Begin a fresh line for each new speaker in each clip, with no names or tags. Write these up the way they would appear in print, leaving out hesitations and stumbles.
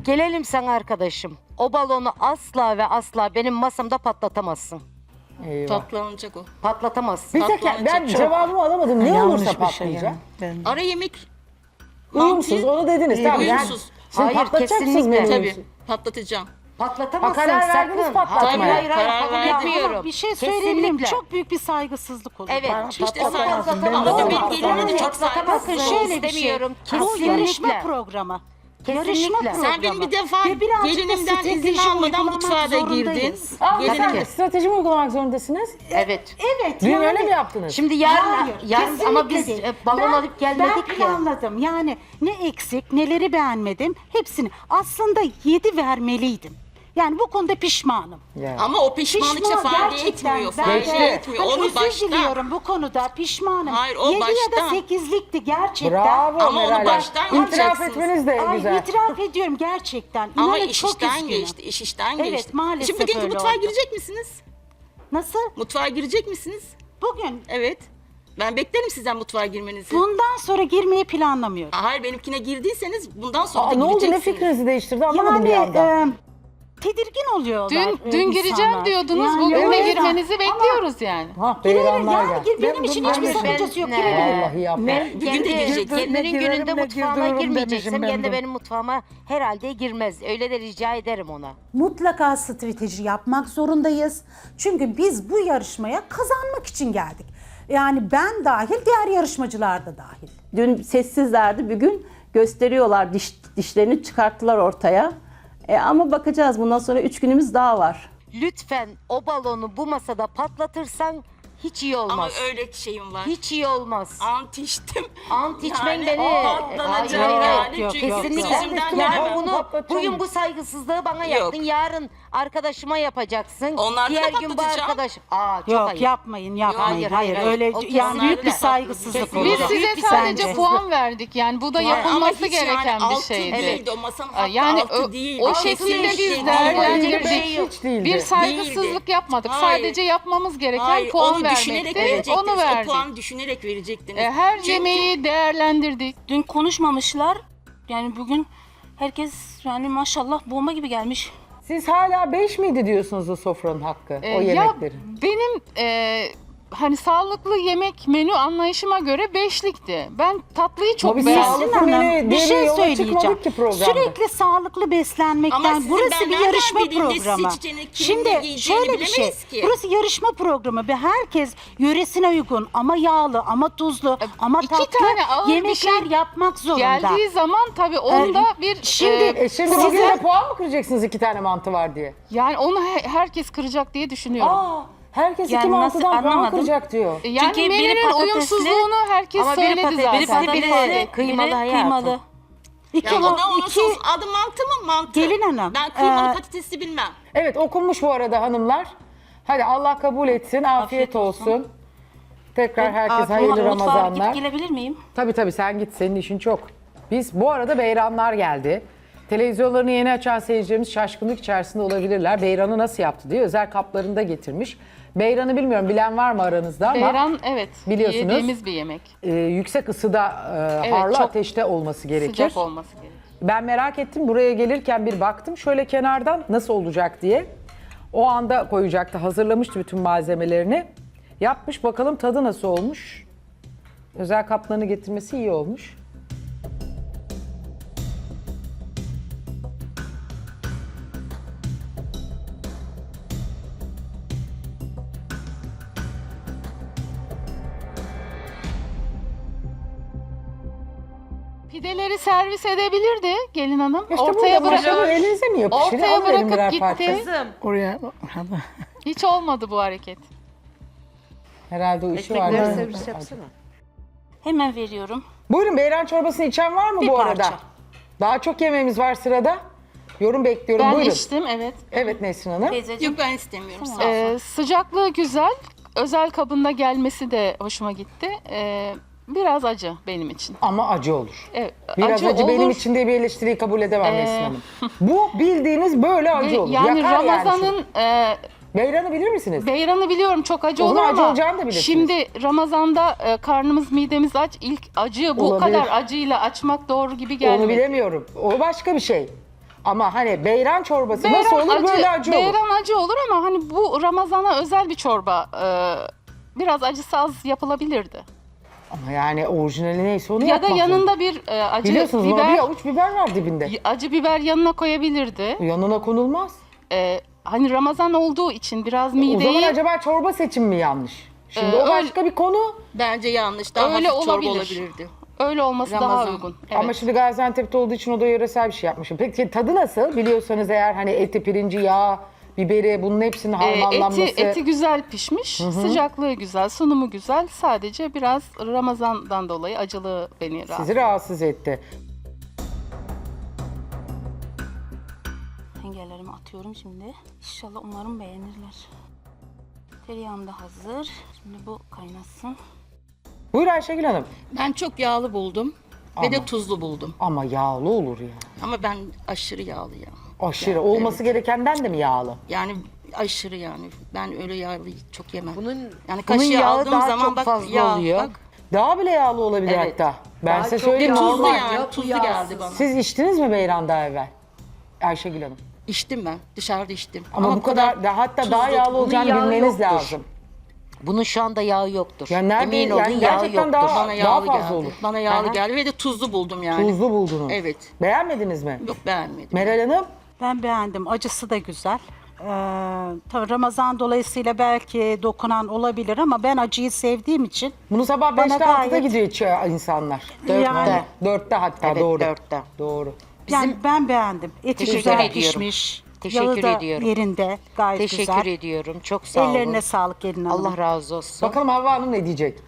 Gelelim sana arkadaşım. O balonu asla ve asla benim masamda patlatamazsın.
Eyvah.
Tatlanacak o.
Patlatamazsın.
Bir tek ben
Tatlanacak.
cevabımı alamadım. Ne
Yanlış
olursa
bir şey
patlayacak.
yani.
Ara yemek.
Uyumsuz onu dediniz. Tamam.
Uyumsuz.
Şimdi
Hayır,
patlatacaksınız
kesinlikle.
beni
Tabii
uyumsuz.
patlatacağım.
Patlatamazsın.
Ha, karar verdiniz
sakın.
patlatmaya.
Hayır, hayır,
Karar
kabul
verdim.
etmiyorum.
Ama bir şey söyleyebilir miyim?
Kesinlikle.
Çok büyük bir saygısızlık olur.
Evet.
Bana.
İşte
Patlatamazsın.
saygı.
Ben
Ama
olmam.
benim gelinim de çok
Patlatamazsın.
saygısız.
Bakın şöyle bir şey.
İstemiyorum.
Bu
Kesinlikle.
yarışma programı.
Kesinlikle.
Yarışma programı.
Sen benim bir defa
Ve birazcık da
gelinimden izin
strateji
almadan
uygulamak
mutfağa da girdin.
zorundayız.
Aa,
Tabii
sen
ki.
strateji mi uygulamak zorundasınız?
Evet.
Evet.
Dün
yani-
öyle mi yaptınız?
Şimdi yarın
Hayır,
ama biz
kesinlikle değil.
balon
Ben-
alıp gelmedik
Ben
ya.
planladım. Yani ne eksik, neleri beğenmedim hepsini. Aslında 7 vermeliydim. Yani bu konuda pişmanım.
Ya.
Ama o pişmanlık işte fayda etmiyor. Fayda etmiyor.
Hani
Onu
özür
baştan.
diliyorum bu konuda pişmanım.
Hayır, o
7 ya da
baştan.
8'likti gerçekten.
Bravo
Ama onu
Meral Hanım.
baştan
İtiraf
yapacaksınız.
etmeniz de
Ay
güzel.
itiraf ediyorum gerçekten.
Ama
İnanın
iş
çok
işten
üzgünüm.
geçti. İş işten
Evet,
geçti.
maalesef
Şimdi bugünkü
öyle
mutfağa
oldu.
girecek misiniz?
Nasıl?
Mutfağa girecek misiniz?
Bugün
Evet. Ben beklerim sizden mutfağa girmenizi.
bundan sonra girmeyi planlamıyorum.
Hayır benimkine girdiyseniz bundan sonra
Aa,
da
ne oldu? Ne
gireceksiniz.
fikrinizi değiştirdi anlamadım bir anda.
Tedirgin oluyorlar.
Dün gireceğim
insanlar.
diyordunuz.
Yani
Bugün de
evet.
girmenizi
Ama
bekliyoruz yani.
Ha
girelim
beyranlar
yani
geldi.
benim için hiçbir sakıncası yok. Girelim.
Vallahi yapma.
Bugün de girecek.
Kendinin gününde mutfağıma girmeyeceksem
ben
kendi
de.
benim mutfağıma herhalde girmez. Öyle de rica ederim ona.
Mutlaka strateji yapmak zorundayız. Çünkü biz bu yarışmaya kazanmak için geldik. Yani ben dahil, diğer yarışmacılar da dahil.
Dün sessizlerdi, bugün gösteriyorlar, dişlerini çıkarttılar ortaya. Ama bakacağız, bundan sonra 3 günümüz daha var.
Lütfen o balonu bu masada patlatırsan hiç iyi olmaz.
Ama öyle şeyim var.
Hiç iyi olmaz.
Ant içtim.
Ant içmen
Yani
beni.
patlanacak
Hayır,
yani.
yok,
Çünkü
yok,
Kesinlikle.
sözümden
Yani
dönemem.
bunu
Patlatacağım.
bugün bu saygısızlığı bana
Yok.
yaptın. Yarın arkadaşıma yapacaksın.
Onlarda
Diğer
da
gün bu
patlatacağım.
arkadaş. Aa çok
Yok
ayıp.
yapmayın.
Hayır, hayır, hayır.
Öyle
O
yani
kesinlikle
büyük bir
haklı.
saygısızlık
Kesinlikle.
olur.
Biz size
Büyük bir
sadece
bence.
puan verdik. Yani bu da
Ama
yapılması
hiç
gereken
yani
bir
altı
şeydi.
değildi. O masanın hakkı
Yani
altı değil.
o
Altı
şekilde
değil.
biz
Değil.
değerlendirdik.
Hiç değildi.
Bir saygısızlık yapmadık.
Hayır.
Sadece yapmamız gereken
Hayır,
puan
onu düşünerek
vermekti.
verecektiniz.
Onu
O
verdik.
puanı düşünerek verecektiniz.
Her
Çünkü-
yemeği değerlendirdik.
Dün konuşmamışlar. Yani bugün herkes yani maşallah bomba gibi gelmiş.
Siz hala 5 miydi diyorsunuz o sofranın hakkı, o
Ya
yemeklerin?
benim hani sağlıklı yemek menü anlayışıma göre beşlikti. Ben tatlıyı çok
Ama biz
beğendim.
sağlıklı
Hanım,
menü
bir
diye
şey
yola
söyleyeceğim.
çıkmadık ki programda.
Sürekli sağlıklı
Ama
beslenmekten
sizin
burası
ben
bir
nereden
yarışma
bileyim ne
programı.
seçeceğini, kimin ne
Şimdi
giyeceğini
şöyle bir şey.
bilemeyiz ki.
Burası yarışma programı ve herkes yöresine uygun ama yağlı ama tuzlu ama
İki
tatlı
tane ağır bir
yemekler
şey
yapmak zorunda.
Geldiği zaman tabii onda bir
şimdi-
Şimdi bugün de puan mı kıracaksınız 2 tane mantı var diye?
yani onu herkes kıracak diye düşünüyorum.
Aa, herkes
Yani
2
nasıl,
mantıdan puan
anlamadım.
kıracak diyor.
Yani
Çünkü biri
menünün
patatesli,
uyumsuzluğunu herkes
Ama biri
söyledi
patatesli,
zaten.
Biri
Biri
patatesli,
kıymalı
biri
hayatım.
kıymalı.
İki,
Ya o da onun
iki-
sos adı mantı mı? Mantı.
Gelin hanım,
Ben kıymalı
e,
patatesi bilmem.
Evet, okunmuş bu arada hanımlar. Hadi Allah kabul etsin, afiyet olsun. Tekrar herkes hayırlı
Mutfağa
Ramazanlar.
gidip gelebilir miyim?
Tabii sen git, senin işin çok. Biz bu arada beyranlar geldi. Televizyonlarını yeni açan seyircilerimiz şaşkınlık içerisinde olabilirler. Beyranı nasıl yaptı diye özel kaplarında getirmiş. Beyranı bilmiyorum, bilen var mı aranızda ama
Beyran evet
biliyorsunuz,
yediğimiz bir yemek.
yüksek ısıda,
Evet,
harlı
çok
ateşte olması gerekir.
Sıcak olması gerekiyor.
Ben merak ettim, buraya gelirken bir baktım şöyle kenardan nasıl olacak diye. O anda koyacaktı, hazırlamıştı bütün malzemelerini. Yapmış, bakalım tadı nasıl olmuş. Özel kaplarını getirmesi iyi olmuş.
Pideleri servis edebilirdi gelin hanım.
İşte
Ortaya
burada maşallah
bırakıp
elinize mi yapışır?
ortaya
Alın verin birer
bırakıp
parça.
gitti.
Oraya
Hiç olmadı bu hareket.
Herhalde o işi var.
Ekmekleri
değil mi?
servis yapsana.
Hemen veriyorum.
Buyurun, beyran çorbasını içen var mı
Bir
bu arada?
parça.
Daha çok yemeğimiz var sırada. Yorum bekliyorum,
Ben
buyurun.
içtim evet.
Evet Nesrin Hanım.
Teyzeciğim.
Yok ben istemiyorum. Sağ ol.
Sıcaklığı güzel. Özel kabında gelmesi de hoşuma gitti. Biraz acı benim için.
Ama acı olur.
Evet,
Biraz acı benim
olur.
için diye bir eleştiriyi kabul edemem Nesrin Hanım. Bu bildiğiniz böyle acı olur.
Yani
Yakar
Ramazan'ın
Beyranı bilir misiniz?
beyranı biliyorum çok acı
O
olur
zaman acı
ama
olacağını da bilirsiniz.
şimdi Ramazan'da karnımız midemiz aç. İlk acıyı bu
Olabilir.
kadar acıyla açmak doğru gibi
Onu
gelmedi.
bilemiyorum. O başka bir şey. Ama hani beyran çorbası nasıl olur böyle acı olur.
Beyran acı olur ama hani bu Ramazan'a özel bir çorba. Biraz acısı az yapılabilirdi.
Ama yani orijinali neyse onu
Ya da
yapmak
yanında
zorunda.
bir acı
Biliyorsunuz buna bir
biber,
avuç biber var dibinde.
acı biber yanına koyabilirdi.
Yanına konulmaz.
Hani Ramazan olduğu için biraz
O zaman
mideyi
acaba çorba seçimi mi yanlış? Şimdi o
öyle-
başka bir konu.
Bence yanlış. Daha
Öyle
hafif çorba
olabilir.
olabilirdi.
öyle olması daha
Ramazan.
uygun. Evet.
Ama şimdi Gaziantep'te olduğu için o da yöresel bir şey yapmışım. Peki tadı nasıl? Biliyorsanız eğer hani eti, pirinci, yağ, biberi bunun hepsinin harmanlanması.
Eti güzel pişmiş, sıcaklığı güzel, sunumu güzel. Sadece biraz Ramazan'dan dolayı acılığı beni rahatsız.
Sizi rahatsız etti.
Hengerlerimi atıyorum şimdi. İnşallah umarım beğenirler. Tereyağım da hazır. Şimdi bu kaynasın.
Buyur Ayşegül Hanım.
Ben çok yağlı buldum. Ve de tuzlu buldum.
Ama yağlı olur ya.
Ama ben aşırı yağlı ya.
Aşırı.
Yani,
Olması gerekenden de mi yağlı?
Yani aşırı yani. Ben öyle yağlı çok yemem.
Bunun
Yani kaşığı
yağı
aldığım
daha
zaman
çok
bak
fazla
yağ.
oluyor.
Bak,
Daha bile yağlı olabilir
Evet.
hatta. Ben
Daha
size
çok
söyleyeyim.
yağlı.
tuzlu
Normal.
yani. Tuzlu geldi bana.
Siz içtiniz mi beyran daha evvel? Ayşegül Hanım.
İçtim ben. Dışarıda içtim.
Ama bu kadar hatta daha
tuzlu.
yağlı
Bunun
olacağını
yağı
bilmeniz
yoktur.
lazım.
Bunun şu anda yağı yoktur.
Yani nerede-
Emin olun
yani
yağı
gerçekten
yoktur.
daha-
Bana yağlı
fazla
geldi.
olur.
Bana yağlı
Aha.
geldi ve de tuzlu buldum yani.
Tuzlu buldunuz.
Evet.
Beğenmediniz mi?
Yok beğenmedim.
Meral Hanım?
Ben beğendim. Acısı da güzel. Tabii Ramazan dolayısıyla belki dokunan olabilir ama ben acıyı sevdiğim için
Bunu sabah
Bana
5'te 6'da
gayet-
gidiyor içiyor insanlar.
Yani-
4'te hatta
Evet,
doğru.
4'te.
Doğru.
yani ben beğendim. Eti
Teşekkür
güzel
ediyorum.
pişmiş.
Teşekkür
Yağı da
ediyorum.
yerinde. Gayet
Teşekkür
güzel.
ediyorum. Çok sağ olun.
Ellerine sağlık gelin hanım.
Allah razı olsun.
Bakalım Havva Hanım ne diyecek?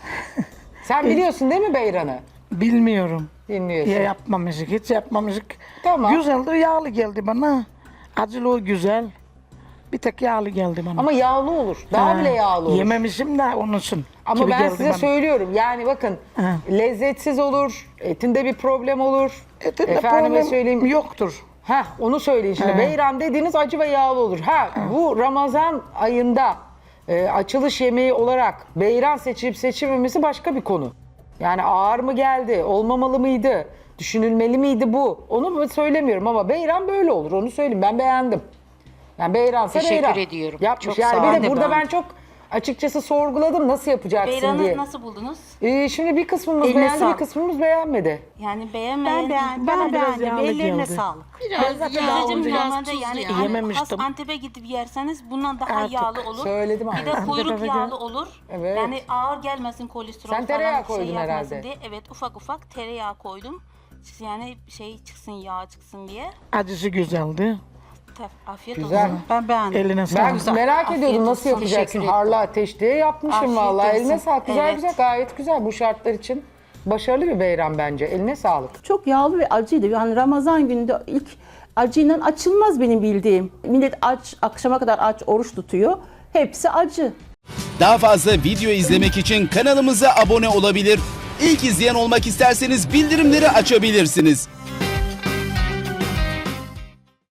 Sen biliyorsun değil mi beyranı?
Bilmiyorum.
Dinliyorsun.
Ya yapmamışık, hiç yapmamışık.
Tamam.
Güzeldi, yağlı geldi bana. Acılı güzel. Bir tek yağlı geldi bana.
Ama yağlı olur. Daha
Ha,
bile yağlı olur.
Yememişim de onun için.
Ama
gibi
ben
geldi
size
bana.
söylüyorum. Yani bakın
Ha.
lezzetsiz olur. Etinde bir problem olur.
Etinde
Efendime
problem
söyleyeyim.
yoktur.
Heh, onu söyleyin şimdi.
He.
Beyran dediğiniz acı ve yağlı olur. Bu Ramazan ayında açılış yemeği olarak beyran seçilip seçilmemesi başka bir konu. Yani ağır mı geldi, olmamalı mıydı, düşünülmeli miydi bu? Onu söylemiyorum ama beyran böyle olur, onu söyleyeyim. Ben beğendim. Yani beyransa
Teşekkür
beyran.
ediyorum.
Yapmış.
Çok
Yani
sağ
bir
olun.
de burada
Ben
ben çok açıkçası sorguladım nasıl yapacaksın
Beyran'ı
diye.
nasıl buldunuz?
Şimdi bir kısmımız
Eline
beğendi, bir
sağlık.
kısmımız beğenmedi.
Yani
Ben
beğenmeyen...
beğendim.
Bana
Ben
biraz
beğendim.
yağlı
Ellerine
geldi.
sağlık.
Biraz yağlı,
Teyzeciğim
biraz
normalde
tuzlu
yani
yani.
hani
Yememiştim.
has Antep'e gidip yerseniz bundan daha
Artık
yağlı olur.
söyledim
Bir de
aynen.
kuyruk
Antep'e
yağlı
gel.
olur.
Evet.
Yani ağır gelmesin kolesterol
Sen
falan
tereyağı koydun
yapmasın
herhalde.
diye. Evet ufak ufak tereyağı koydum. Yani çıksın yağ çıksın diye.
Acısı güzeldi.
Afiyet
Güzel.
olsun.
Ben beğendim.
Eline
Ben
sağlık.
merak
Afiyet
ediyordum nasıl
olsun.
yapacaksın?
Teşekkür
Harlı ateş diye yapmışım
Afiyet
vallahi.
olsun.
Eline sağlık. Güzel
Evet.
güzel, gayet güzel bu şartlar için. Başarılı bir beyran bence. Eline sağlık.
Çok yağlı ve acıydı. Yani Ramazan gününde ilk acıyla açılmaz benim bildiğim. Millet aç, akşama kadar aç, oruç tutuyor. Hepsi acı.
Daha fazla video izlemek için kanalımıza abone olabilir. İlk izleyen olmak isterseniz bildirimleri açabilirsiniz.